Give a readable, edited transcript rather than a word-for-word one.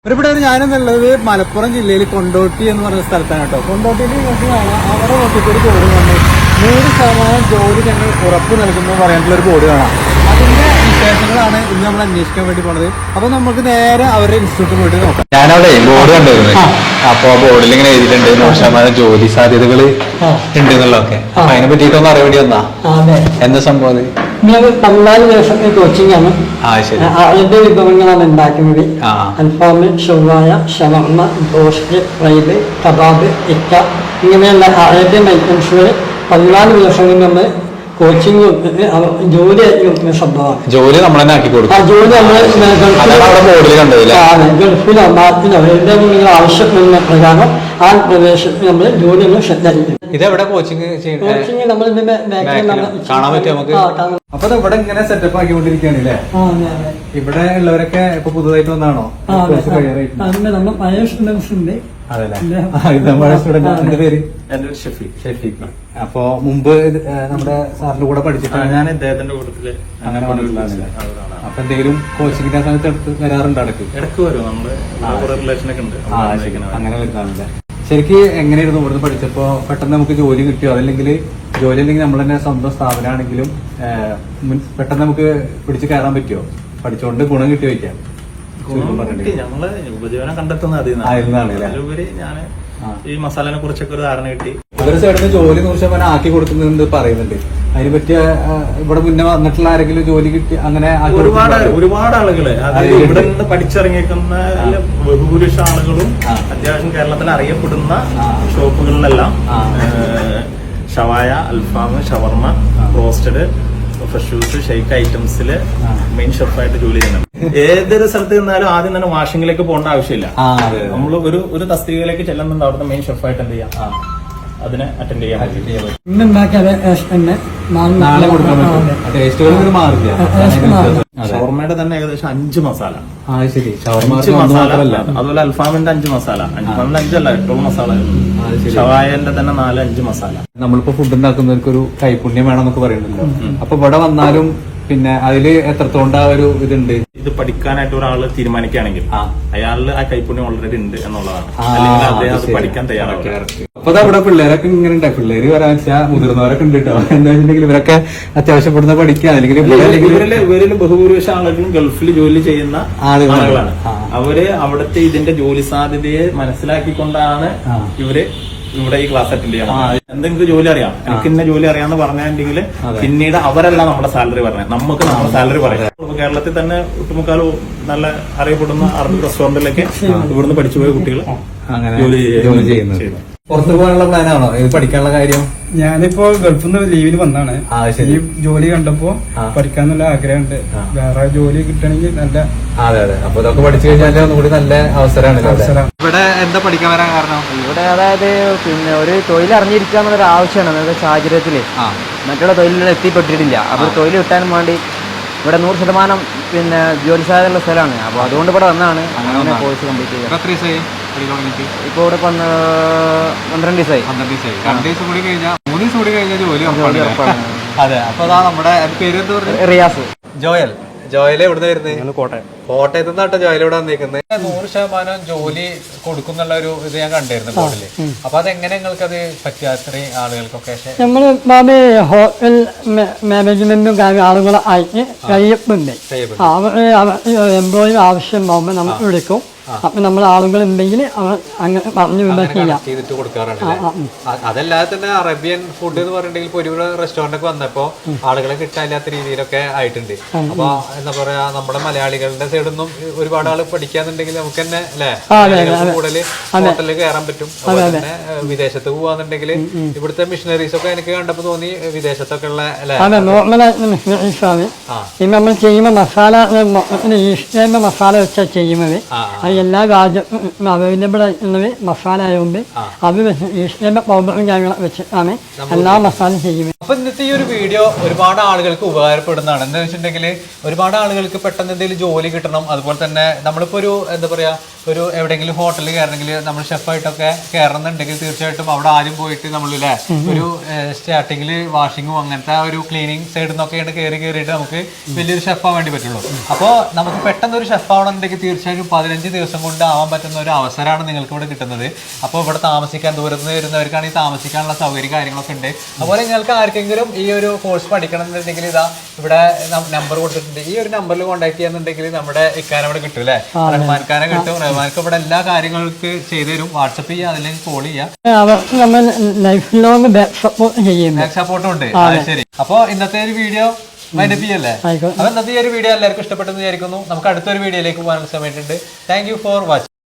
ഇവിടെ ഞാനെന്നുള്ളത് മലപ്പുറം ജില്ലയിൽ കൊണ്ടോട്ടി എന്ന് പറഞ്ഞ സ്ഥലത്താണ് കേട്ടോ. കൊണ്ടോട്ടിയിൽ നോക്കിയാണ് അവിടെ നോക്കിയിട്ട് ഒരു ബോർഡ് കാണുന്നത് 100% ജോലി ഞങ്ങൾ ഉറപ്പ് നൽകുന്നു പറയാനുള്ള ഒരു ബോർഡ് കാണാം. അതിന്റെ വിശേഷങ്ങളാണ് ഇന്ന് നമ്മൾ അന്വേഷിക്കാൻ വേണ്ടി പോണത്. അപ്പൊ നമുക്ക് നേരെ അവരുടെ ഇൻസ്റ്റിറ്റ്യൂട്ടിൽ പോയിട്ട് നോക്കാം. ഞാനവിടെ ബോർഡ് കണ്ടിരുന്നു. അപ്പൊ ബോർഡിൽ ഇങ്ങനെ എഴുതിയിട്ടുണ്ട് 100% ജോലി സാധ്യതകൾ ഉണ്ട് എന്നുള്ളതൊക്കെ. അപ്പൊ അതിനെ പറ്റിയിട്ടൊന്നും അറിയാൻ വേണ്ടി വന്നാ എന്താ സംഭവം? 14 ദിവസത്തെ കോച്ചിങ് ആണ്. അതിന്റെ വിഭവങ്ങളാണ് ഉണ്ടാക്കുന്നത്. അൽഫാമ്, ഷവായ, ഷവർമ, ബ്രോസ്റ്റ്, ഫ്രൈഡ്, കബാബ്, ഇക്ക ഇങ്ങനെയുള്ള അറേബ്യൻ ഐറ്റംസുകൾ 14 ദിവസം നമ്മൾ കോച്ചിങ് ജോലി സംഭവമാണ്. ജോലി നമ്മൾ തന്നെ ആക്കി കൊടുക്കും. ജോലി നമ്മൾ ഗൾഫിലോ നാട്ടിലോ എവിടെയും നിങ്ങൾ ആവശ്യപ്പെടുന്ന പ്രകാരം ആ പ്രദേശത്ത് നമ്മൾ ജോലി ഒന്ന് ശ്രദ്ധിക്കും. ഇതെവിടെ കോച്ചിങ് കോച്ചിങ് നമ്മൾ കാണാൻ പറ്റും നമുക്ക്. അപ്പൊ ഇവിടെ ഇങ്ങനെ സെറ്റപ്പ് ആക്കിക്കൊണ്ടിരിക്കുകയാണ് അല്ലേ? ഇവിടെ ഉള്ളവരൊക്കെ ഇപ്പൊ പുതുതായിട്ട് വന്നാണോ? നമ്മൾ പഴയ സ്റ്റുഡൻസ് ഉണ്ട്. എന്റെ പേര് ഷഫീഖ്. അപ്പൊ മുമ്പ് നമ്മുടെ സാറിന്റെ കൂടെ പഠിച്ചിട്ടാണ് ഞാൻ ഇദ്ദേഹത്തിന്റെ കൂട്ടത്തില് അങ്ങനെ വന്നിട്ടുള്ളതാണ്. അപ്പൊ എന്തെങ്കിലും കോച്ചിങ്ങിന്റെ സമയത്ത് എടുത്ത് വരാറുണ്ട്? ഇടക്ക് വരും. നമ്മള് റിലേഷനൊക്കെ ഉണ്ട്. അങ്ങനെ വരുന്നില്ല. ശരിക്ക് എങ്ങനെയായിരുന്നു ഇവിടുന്ന് പഠിച്ചപ്പോ പെട്ടെന്ന് നമുക്ക് ജോലി കിട്ടിയോ? അതല്ലെങ്കിൽ ജോലി അല്ലെങ്കിൽ നമ്മൾ തന്നെ സ്വന്തം സ്ഥാപനമാണെങ്കിലും പെട്ടെന്ന് നമുക്ക് പിടിച്ച് കയറാൻ പറ്റുമോ? പഠിച്ചുകൊണ്ട് ഗുണം കിട്ടി വയ്ക്കാം. ഞങ്ങള് ഉപജീവനം കണ്ടെത്തുന്ന അതിലുപരി ഞാൻ ഈ മസാലനെ കുറിച്ചൊക്കെ ഒരു ധാരണ കിട്ടി. ഒരു സൈഡിൽ ജോലി 100% ആക്കി കൊടുക്കുന്നുണ്ട് പറയുന്നുണ്ട്. അതിനെ പറ്റിയ ഇവിടെ മുന്നേ വന്നിട്ടുള്ള ആരെങ്കിലും ജോലി കിട്ടി അങ്ങനെ ഒരുപാട് ആളുകള് അതായത് ഇവിടെ നിന്ന് പഠിച്ചിറങ്ങിയിരിക്കുന്ന ബഹുഭൂരിഷ ആളുകളും അത്യാവശ്യം കേരളത്തിൽ അറിയപ്പെടുന്ന ഷോപ്പുകളിലെല്ലാം ഷവായ, അൽഫാം, shawarma, roasted, fresh juice, shake ഐറ്റംസില് മെയിൻ ഷെഫായിട്ട് ജോലി ചെയ്യുന്നുണ്ട്. ഏതൊരു സ്ഥലത്ത് നിന്നാലും ആദ്യം തന്നെ വാഷിംഗിലേക്ക് പോകേണ്ട ആവശ്യമില്ല. നമ്മൾ ഒരു തസ്തികയിലേക്ക് ചെല്ലുന്നുണ്ട്. അവിടുത്തെ മെയിൻ ഷെഫായിട്ട് എന്ത് ചെയ്യാം, അതിനെ അറ്റൻഡ് ചെയ്യാൻ പറ്റും. ഷവർമയുടെ തന്നെ ഏകദേശം 5 മസാല. അതുപോലെ അൽഫാമിന്റെ 5 മസാല. അൽഫാമിന്റെ 5 അല്ല, 8 മസാല. ഷവായന്റെ തന്നെ 4-5 മസാല. നമ്മളിപ്പോ ഫുഡ് ഉണ്ടാക്കുന്നവർക്ക് ഒരു കൈപുണ്യം വേണമെന്നൊക്കെ പറയുന്നുണ്ടല്ലോ. അപ്പൊ ഇവിടെ വന്നാലും പിന്നെ അതില് എത്രത്തോണ്ട ഒരു ഇതുണ്ട്. ഇത് പഠിക്കാനായിട്ട് ഒരാൾ തീരുമാനിക്കുകയാണെങ്കിൽ അയാളിൽ ആ കൈപുണ്യം ഓൾറെഡി ഉണ്ട് എന്നുള്ളതാണ്. അല്ലെങ്കിൽ അദ്ദേഹം അത് പഠിക്കാൻ തയ്യാറാവും. അപ്പൊ അവിടെ പിള്ളേരൊക്കെ ഇങ്ങനെ ഉണ്ട്. പിള്ളേര് വരാൻ വെച്ചാൽ മുതിർന്നവരൊക്കെ ഉണ്ട് കേട്ടോ. എന്താ വെച്ചിട്ടുണ്ടെങ്കിൽ ഇവരൊക്കെ അത്യാവശ്യപ്പെടുന്ന പഠിക്കുക. അല്ലെങ്കിൽ ഇവരിൽ ബഹുഭൂരിപക്ഷം ആളുകളും ഗൾഫിൽ ജോലി ചെയ്യുന്ന ആളുകളാണ്. അവര് അവിടുത്തെ ഇതിന്റെ ജോലി സാധ്യതയെ മനസ്സിലാക്കിക്കൊണ്ടാണ് ഇവര് ഇവിടെ ഈ ക്ലാസ് അറ്റൻഡ് ചെയ്യണം. എന്തെങ്കിലും ജോലി അറിയാം, എനിക്ക് ഇന്ന ജോലി അറിയാന്ന് പറഞ്ഞിട്ടുണ്ടെങ്കിൽ പിന്നീട് അവരല്ല നമ്മുടെ സാലറി പറഞ്ഞത്, നമുക്ക് നമ്മുടെ സാലറി പറയാം. കേരളത്തിൽ തന്നെ ഒട്ടുമുക്കാലും നല്ല അറിയപ്പെടുന്ന അറബ് റെസ്റ്റോറന്റിലൊക്കെ ഇവിടുന്ന് പഠിച്ചുപോയ കുട്ടികൾ ജോലി ചെയ്യുന്നു. പുറത്തു പോകാനുള്ള പ്ലാനാണോ ഇത് പഠിക്കാനുള്ള കാര്യം? ഞാനിപ്പോ ഗൾഫിൽ നിന്ന് ലീവിൽ വന്നാണ്. ഈ ജോലി കണ്ടപ്പോ പഠിക്കാന്നുള്ള ആഗ്രഹമുണ്ട്. വേറെ ജോലി കിട്ടണമെങ്കിൽ നല്ല. അതെ അതെ. അപ്പൊ ഇതൊക്കെ പഠിച്ചു കഴിഞ്ഞാൽ ഒന്നുകൂടി നല്ല അവസരമാണ്. ഇവിടെ എന്താ പഠിക്കാൻ വരാൻ കാരണം? ഇവിടെ അതായത് പിന്നെ ഒരു തൊഴിൽ അറിഞ്ഞിരിക്കുക എന്നുള്ളൊരു ആവശ്യമാണ്. അതായത് സാഹചര്യത്തില് മറ്റുള്ള തൊഴിലുകൾ എത്തിപ്പെട്ടിട്ടില്ല. അപ്പോൾ തൊഴിൽ കിട്ടാനും വേണ്ടി ഇവിടെ 100% പിന്നെ ജോലി സാധ്യതയുള്ള സ്ഥലമാണ്. അപ്പോൾ അതുകൊണ്ട് ഇവിടെ വന്നാണ് അങ്ങനെ കോഴ്സ് കംപ്ലീറ്റ് ചെയ്യുക. ഇപ്പൊ ഇവിടെ 12 ദിവസമായി. 2 ദിവസം കൂടി കഴിഞ്ഞാൽ 3 ദിവസം കൂടി കഴിഞ്ഞാൽ ജോലി ഉറപ്പാണ്. അതെ. അപ്പൊ അതാ നമ്മുടെ പേര് എന്താ പറയുക? റിയാസ്. ജോയൽ എവിടെ വരുന്നത്? കോട്ടയത്ത് നിന്നാട്ടോ ജോയൽ ഇവിടെ വന്നിരിക്കുന്നത്. 100% ജോലി കൊടുക്കുന്നുള്ള ഒരു ഇത് ഞാൻ കണ്ടിരുന്നു ബോർഡില്. അപ്പൊ അതെങ്ങനെ നിങ്ങൾക്ക് അത് പറ്റിയ അത്രയും ആളുകൾക്കൊക്കെ? നമ്മള് ഹോട്ടൽ മാനേജ്മെന്റും ആളുകളെ ആയിട്ട് കഴിയപ്പുണ്ട്. എംപ്ലോയി ആവശ്യമാകുമ്പോൾ നമ്മൾ വിളിക്കും. അപ്പൊ നമ്മൾ ആളുകൾ ഉണ്ടെങ്കിൽ അങ്ങനെ പറഞ്ഞു ചെയ്തിട്ട് കൊടുക്കാറുണ്ട്. അതല്ലാതെ തന്നെ അറേബ്യൻ ഫുഡ് എന്ന് പറഞ്ഞിട്ടുണ്ടെങ്കിൽ ഒരു റെസ്റ്റോറന്റ് ഒക്കെ വന്നപ്പോ ആളുകളെ കിട്ടാനില്ലാത്ത രീതിയിലൊക്കെ ആയിട്ടുണ്ട്. അപ്പൊ എന്താ പറയാ, നമ്മുടെ മലയാളികളുടെ സൈഡിൽ നിന്നും ഒരുപാട് ആള് പഠിക്കാന്നുണ്ടെങ്കിൽ നമുക്ക് തന്നെ അല്ലെ കൂടുതൽ ഹോട്ടലിൽ കയറാൻ പറ്റും. അതുപോലെ തന്നെ വിദേശത്ത് പോവാന്നുണ്ടെങ്കിൽ ഇവിടുത്തെ മിഷനറീസ് ഒക്കെ എനിക്ക് കണ്ടപ്പോ തോന്നി വിദേശത്തൊക്കെ ഉള്ള നമ്മൾ ചെയ്യുമ്പോ മസാല വെച്ചാൽ ചെയ്യുന്നത് എല്ലാ രാജ്യത്തും അവൈലബിൾ ആയിട്ടുള്ളത് മസാല ആയതുകൊണ്ട് അത് ഈസ്റ്റേന്റെ പൗഡറും കാര്യങ്ങളും വെച്ചിട്ടാണ് എല്ലാ മസാലയും ചെയ്യുന്നത്. അപ്പൊ ഇന്നത്തെ ഈ ഒരു വീഡിയോ ഒരുപാട് ആളുകൾക്ക് ഉപകാരപ്പെടുന്നതാണ്. എന്താ വെച്ചിട്ടുണ്ടെങ്കിൽ ഒരുപാട് ആളുകൾക്ക് പെട്ടെന്ന് എന്തെങ്കിലും ജോലി കിട്ടണം. അതുപോലെ തന്നെ നമ്മളിപ്പോ ഒരു എന്താ പറയാ ഒരു എവിടെയെങ്കിലും ഹോട്ടലിൽ കയറണമെങ്കിൽ നമ്മൾ ഷെഫായിട്ടൊക്കെ കയറണമെന്നുണ്ടെങ്കിൽ തീർച്ചയായിട്ടും അവിടെ ആദ്യം പോയിട്ട് നമ്മളില്ലേ ഒരു സ്റ്റാർട്ടിങ്ങിൽ വാഷിങ്ങും അങ്ങനത്തെ ഒരു ക്ലീനിങ് സൈഡിൽ നിന്നൊക്കെയാണ് കയറിയിട്ട് നമുക്ക് വലിയൊരു ഷെഫ് ആവാൻ വേണ്ടി പറ്റുള്ളൂ. അപ്പോൾ നമുക്ക് പെട്ടെന്ന് ഒരു ഷെഫ് ആവണമെന്നുണ്ടെങ്കിൽ തീർച്ചയായും 15 ദിവസം കൊണ്ട് ആവാൻ പറ്റുന്ന ഒരു അവസരമാണ് നിങ്ങൾക്ക് ഇവിടെ കിട്ടുന്നത്. അപ്പോൾ ഇവിടെ താമസിക്കാൻ ദൂരത്ത് നിന്ന് വരുന്നവർക്കാണെങ്കിൽ താമസിക്കാനുള്ള സൗകര്യം കാര്യങ്ങളൊക്കെ ഉണ്ട്. അതുപോലെ നിങ്ങൾക്ക് ആർക്കെങ്കിലും ഈ ഒരു കോഴ്സ് പഠിക്കണം എന്നുണ്ടെങ്കിൽ ഇതാ ഇവിടെ നമ്പർ കൊടുത്തിട്ടുണ്ട്. ഈ ഒരു നമ്പറിൽ കോൺടാക്ട് ചെയ്യാന്നുണ്ടെങ്കിൽ നമ്മുടെ ഇക്കാനെ ഇവിടെ കിട്ടും അല്ലേ, റഹ്മാൻഖാനെ കിട്ടും. റഹ്മാൻക്ക് ഇവിടെ എല്ലാ കാര്യങ്ങൾക്ക് ചെയ്തു തരും. വാട്സപ്പ് ചെയ്യുക, അതിലേക്ക് കോൾ ചെയ്യുക. അവർക്ക് നമ്മൾ ലൈഫ് ലോങ് സപ്പോർട്ട് ചെയ്യുന്നു. ബാക്ക് സപ്പോർട്ടും ഉണ്ട്. ശരി, അപ്പോൾ ഇന്നത്തെ ഒരു വീഡിയോ വൈൻഡപ്പ് ചെയ്യല്ലേ? അപ്പൊ ഇന്നത്തെ ഈ ഒരു വീഡിയോ എല്ലാവർക്കും ഇഷ്ടപ്പെട്ടെന്ന് വിചാരിക്കുന്നു. നമുക്ക് അടുത്തൊരു വീഡിയോയിലേക്ക് പോകാനുള്ള സമയത്തുണ്ട്. Thank you for watching.